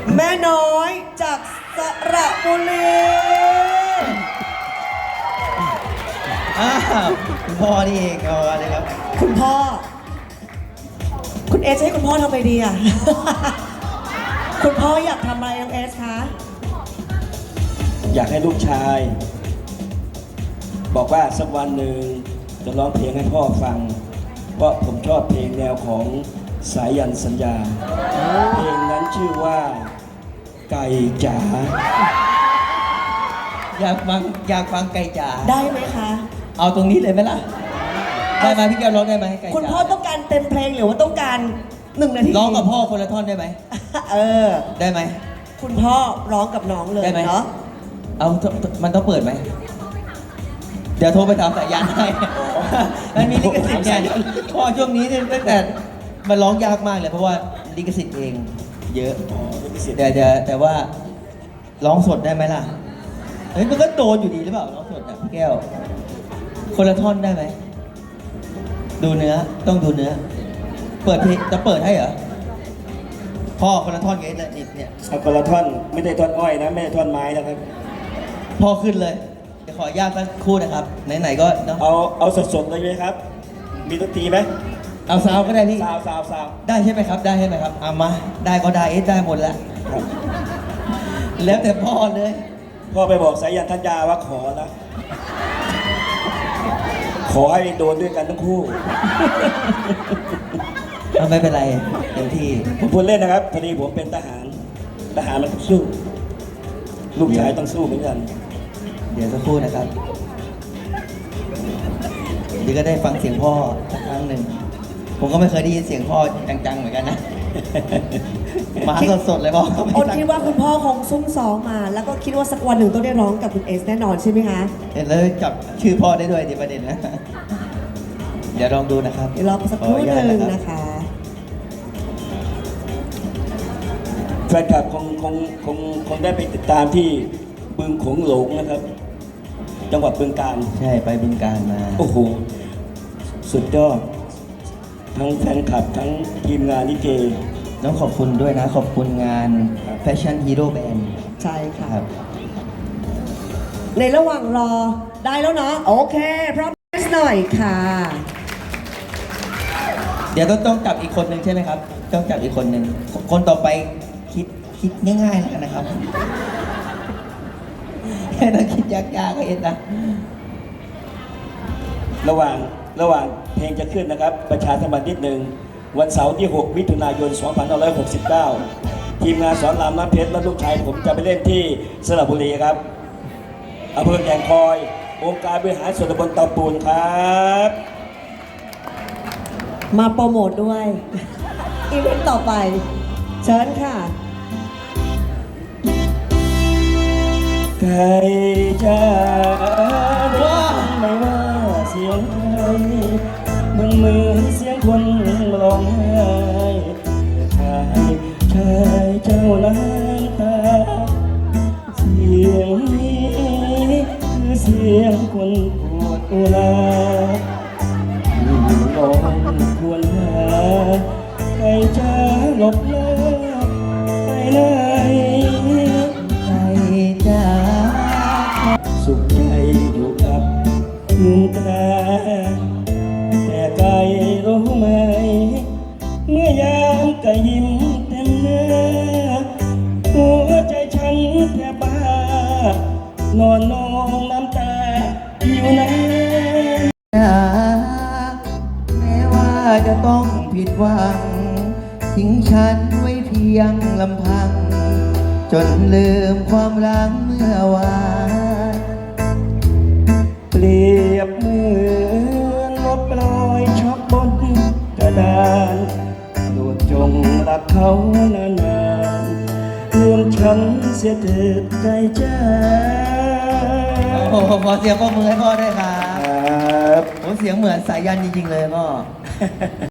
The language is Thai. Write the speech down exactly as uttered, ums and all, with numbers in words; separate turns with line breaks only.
แม่น้อยจากสระบุรี
อ้าวคุณพ่อนี่เองเอาอะไรครับ
คุณพ่อคุณเอสให้คุณพ่อทำไปดีอ่ะ คุณพ่ออยากทำอะไรน้องเอสคะ
อยากให้ลูกชายบอกว่าสักวันหนึ่งจะร้องเพลงให้พ่อฟังเพราะผมชอบเพลงแนวของสายันสัญญาเพลงนั้นชื่อว่าไก่จ๋า
อยากฟังอยากฟังไก่จ๋า
ได้ไหมคะ
เอาตรงนี้เลยไหมล่ะได้ไหมพี่แก้วร้องได้ไหมไก่จ๋า
คุณพ่อต้องการเต็มเพลงหรือว่าต้องการหนึ่งนาที
ร้องกับพ่อคนละท่อนได้ไหม
เออ
ได้ไหม
คุณพ่อร้องกับน้องเลย
ได้ไหม
เนาะ
เอามันต้องเปิดไหมเดี๋ยวโทรไปถามสายยันให้มันมีลิขสิทธิ์เนี่ยพ่อช่วงนี้เนี่ยตั้งแต่มันร้องยากมากเลยเพราะว่าลิขสิทธิ์เองเยอะแต่แต่แต่ว่าร้องสดได้ไหมล่ะเฮ้ยมันก็โดนอยู่ดีหรือเปล่าร้องสดอ่ะพี่แก้วคนละท่อนได้ไหมดูเนื้อต้องดูเนื้อเปิดเพลงจะเปิดให้เหรอพ่อคนละท่อนไงเนี่ยเนี่ย
เอาคนละท่อนไม่ได้ท่อนอ้อยนะไม่ได้ท่อนไม้นะครับ
พ่อขึ้นเลยจะขออนุญาตสักครู่นะครับไหนๆก็เนาะ
เอาเอาสดๆเลยไหมครับมีดนตรีไหม
เอาซาวก็ได้พี่
ซาวซาวซาว
ได้ใช่ไหมครับได้ใช่ไหมครับเอามาได้ก็ได้เอสได้หมดแล้วแล้วแต่พ่อเลย
พ่อไปบอกสายันธัญญาว่าขอนะขอให้โดนด้วยกันทั้งคู่
ไม่เป็นไรเต็มที่
ผมพูดเล่นนะครับพอดีผมเป็นทหารทหารมันต้องสู้ลูกชายต้องสู้เหมือนกัน
เดี๋ยวสักครู่นะครับเดี๋ยวก็ได้ฟังเสียงพ่อสักครั้งหนึ่งผมก็ไม่เคยได้ยินเสียงพ่อจังๆเหมือนกันนะมาสดๆเลยพ่อ
โอ๊ตคิดว่าคุณพ่อคงซุ่มซ้อมมาแล้วก็คิดว่าสักวันหนึ่งต้องได้ร้องกับคุณเอสแน่นอนใช่ไหมคะ
เห็นเลยจับชื่อพ่อได้ด้วยในประเด็นนะเดี๋ยวลองดูนะครับ
เดี๋ยวรอสักครู่หนึ่งนะคะ
แฟนคลับคงคงคงคงได้ไปติดตามที่บึงโขงหลงนะครับจังหวัดบึงกาฬ
ใช่ไปบึงกาฬมา
โอ้โหสุดยอดทั้งแฟนคลับทั้งทีมงานลิเก
ต้องขอบคุณด้วยนะขอบคุณงาน Fashion Hero Band
ใช่ค่ะในระหว่างรอได้แล้วเนาะโอเคพร้อมหน่อยค่ะ
เดี๋ยวต้องต้องจับอีกคนหนึ่งใช่ไหมครับต้องจับอีกคนหนึ่งคนต่อไปคิดคิดง่ายๆแล้วนะครับแค่ต้องคิดยากๆก็เอ็นนะ
ระหว่างระหว่างเพลงจะขึ้นนะครับประชาสัมพันธ์นิดหนึ่งวันเสาร์ที่หกมิถุนายนสองพันห้าร้อยหกสิบเก้าทีมงานสอนรามน้ำเพชรและลูกชายผมจะไปเล่นที่สระบุรีครับอำเภอแก่งคอยองค์การบริหารส่วนตำบลเตาปูนครับ
มาโปรโมทด้วยอีเวนต์ต่อไปเชิญค่ะ
ไก่จ้าว่าไม่ว่าเสียงใครมันเหมือนเสียงคนร้องไห้ชายชายเจ้านั้นตาเสียงนี้คือเสียงคนปวดอุราลองควรหาใครจะหลบหน้าไปไหน
ไก่จ๋า
สุขใจอยู่กับเงินตราแต่ไก่รู้ไหมเมื่อยามไก่ยิ้มเต็มหน้าหัวใจฉันแทบบ้านอนนองน้ำตาอยู่ไหน
แม้ว่าจะต้องผิดหวังทิ้งฉันไว้เพียงลำพังจนลืมความรักเมื่อวาน
เปรียบเหมือนลบรอยช็อกบนกระดานโปรดจงรักเขานานๆลืมฉันเสียเถิดใจจ้า
โอ้โหขอเสียงปรบมือให้พ่อด้วยครับโอ้เสียงเหมือนสายันจริงๆเลยพ่อ